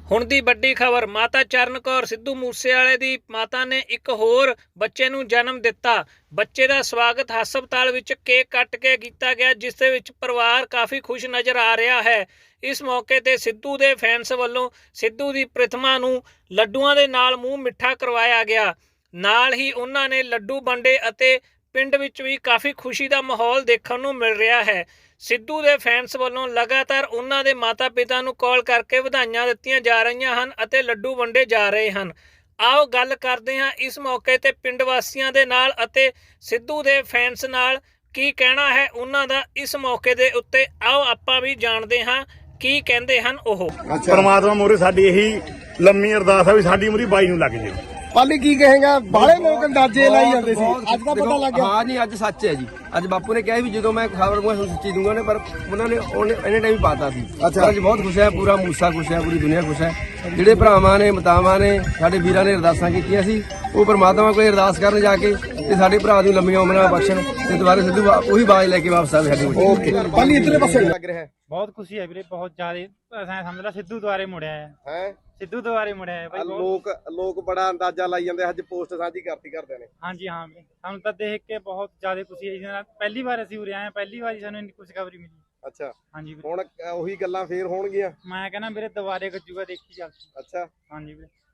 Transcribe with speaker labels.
Speaker 1: ਹੁਣ ਦੀ ਵੱਡੀ ਖਬਰ, ਮਾਤਾ ਚਰਨ ਕੌਰ ਸਿੱਧੂ ਮੂਸੇਵਾਲੇ ਦੀ ਮਾਤਾ ਨੇ ਇੱਕ ਹੋਰ ਬੱਚੇ ਨੂੰ ਜਨਮ ਦਿੱਤਾ। ਬੱਚੇ ਦਾ ਸਵਾਗਤ ਹਸਪਤਾਲ ਵਿੱਚ ਕੇਕ ਕੱਟ ਕੇ ਕੀਤਾ ਗਿਆ, ਜਿਸ ਦੇ ਵਿੱਚ ਪਰਿਵਾਰ ਕਾਫੀ ਖੁਸ਼ ਨਜ਼ਰ ਆ ਰਿਹਾ ਹੈ। ਇਸ ਮੌਕੇ ਤੇ ਸਿੱਧੂ ਦੇ ਫੈਨਸ ਵੱਲੋਂ ਸਿੱਧੂ ਦੀ ਪ੍ਰਤਿਮਾ ਨੂੰ ਲੱਡੂਆਂ ਦੇ ਨਾਲ ਮੂੰਹ ਮਿੱਠਾ ਕਰਵਾਇਆ ਗਿਆ। ਨਾਲ ਹੀ ਉਹਨਾਂ ਨੇ ਲੱਡੂ ਵੰਡੇ ਅਤੇ ਪਿੰਡ ਵਿੱਚ ਵੀ ਕਾਫੀ ਖੁਸ਼ੀ ਦਾ ਮਾਹੌਲ ਦੇਖਣ ਨੂੰ ਮਿਲ ਰਿਹਾ ਹੈ। ਸਿੱਧੂ ਦੇ ਫੈਨਸ ਵੱਲੋਂ ਲਗਾਤਾਰ ਉਹਨਾਂ ਦੇ ਮਾਤਾ ਪਿਤਾ ਨੂੰ ਕਾਲ ਕਰਕੇ ਵਧਾਈਆਂ ਦਿੱਤੀਆਂ ਜਾ ਰਹੀਆਂ ਹਨ ਅਤੇ ਲੱਡੂ ਵੰਡੇ ਜਾ ਰਹੇ ਹਨ। ਆਓ ਗੱਲ ਕਰਦੇ ਹਾਂ ਇਸ ਮੌਕੇ ਤੇ ਪਿੰਡ ਵਾਸੀਆਂ ਦੇ ਨਾਲ ਅਤੇ ਸਿੱਧੂ ਦੇ ਫੈਨਸ ਨਾਲ ਕੀ ਕਹਿਣਾ ਹੈ ਉਹਨਾਂ ਦਾ ਇਸ ਮੌਕੇ ਦੇ ਉੱਤੇ। ਆਓ ਆਪਾਂ ਵੀ ਜਾਣਦੇ ਹਾਂ ਕੀ ਕਹਿੰਦੇ ਹਨ ਉਹ।
Speaker 2: ਪਰਮਾਤਮਾ ਮੋਰੇ ਸਾਡੀ ਇਹੀ ਲੰਮੀ ਅਰਦਾਸ ਆ ਵੀ ਸਾਡੀ ਉਮਰ 22 ਨੂੰ ਲੱਗ ਜੇ।
Speaker 3: ਪਾਲੀ ਕੀ ਕਹੇਗਾ? ਬਾਲੇ ਲੋਕ ਅੰਦਾਜ਼ੇ ਲਾਈ ਜਾਂਦੇ ਸੀ, ਅੱਜ ਦਾ ਪਤਾ ਲੱਗ ਗਿਆ।
Speaker 4: ਹਾਂ ਜੀ, ਅੱਜ ਸੱਚ ਹੈ ਜੀ। ਅੱਜ ਬਾਪੂ ਨੇ ਕਿਹਾ ਵੀ ਜਦੋਂ ਮੈਂ ਖਬਰ ਨੂੰ ਸੱਚੀ ਦੂੰਗਾ ਨੇ, ਪਰ ਉਹਨਾਂ ਨੇ ਇਹਨੇ ਟਾਈਮ ਪਾਤਾ ਸੀ। ਅੱਜ ਬਹੁਤ ਖੁਸ਼ ਹੈ, ਪੂਰਾ ਮੂਸਾ ਖੁਸ਼ ਹੈ, ਪੂਰੀ ਦੁਨੀਆ ਖੁਸ਼ ਹੈ। ਜਿਹੜੇ ਭਰਾਵਾਂ ਨੇ ਮਾਤਾਵਾਂ ਨੇ ਸਾਡੇ ਵੀਰਾਂ ਨੇ ਅਰਦਾਸਾਂ ਕੀਤੀਆਂ ਸੀ, ਉਹ ਪਰਮਾਤਮਾ ਕੋਈ ਅਰਦਾਸ ਕਰਨ ਜਾ ਕੇ ਤੇ ਸਾਡੇ ਭਰਾ ਨੂੰ ਲੰਮੀਆਂ ਉਮਰਾਂ ਬਖਸ਼ਣ ਤੇ ਦੁਬਾਰਾ ਸਿੱਧੂ ਉਹੀ ਬਾਜ ਲੈ ਕੇ ਵਾਪਸ ਆਵੇ ਸਾਡੀ।
Speaker 3: ਓਕੇ ਪਾਲੀ ਇਤਨੇ ਪਾਸੇ ਲੱਗ ਰਿਹਾ ਹੈ।
Speaker 5: बहुत खुशी है वीरे, बहुत ज्यादा समझ ला सिद्धू द्वारे मुड़िया है सिद्धू द्वारे मुड़िया है भाई।
Speaker 3: ਲੋਕ ਬੜਾ ਅੰਦਾਜ਼ਾ ਲਾਈ ਜਾਂਦੇ, ਅੱਜ ਪੋਸਟ ਸਾਂਝੀ ਕਰਤੀ ਕਰਦੇ ਨੇ।
Speaker 5: हाँ जी हाँ वीरे, सानू तो देख के बहुत ज्यादा खुशी है। पहली बार असीं उरे आए, पहली बार सानू इन्नी खुशखबरी मिली।
Speaker 3: ਅੱਛਾ,
Speaker 5: हाँ जी वीरे,
Speaker 3: ਹੁਣ ਉਹੀ ਗੱਲਾਂ ਫੇਰ ਹੋਣਗੀਆਂ।
Speaker 5: मैं कहना वीरे दोबारे गजूगा देखी चल।
Speaker 3: ਅੱਛਾ,
Speaker 5: हाँ जी वीरे।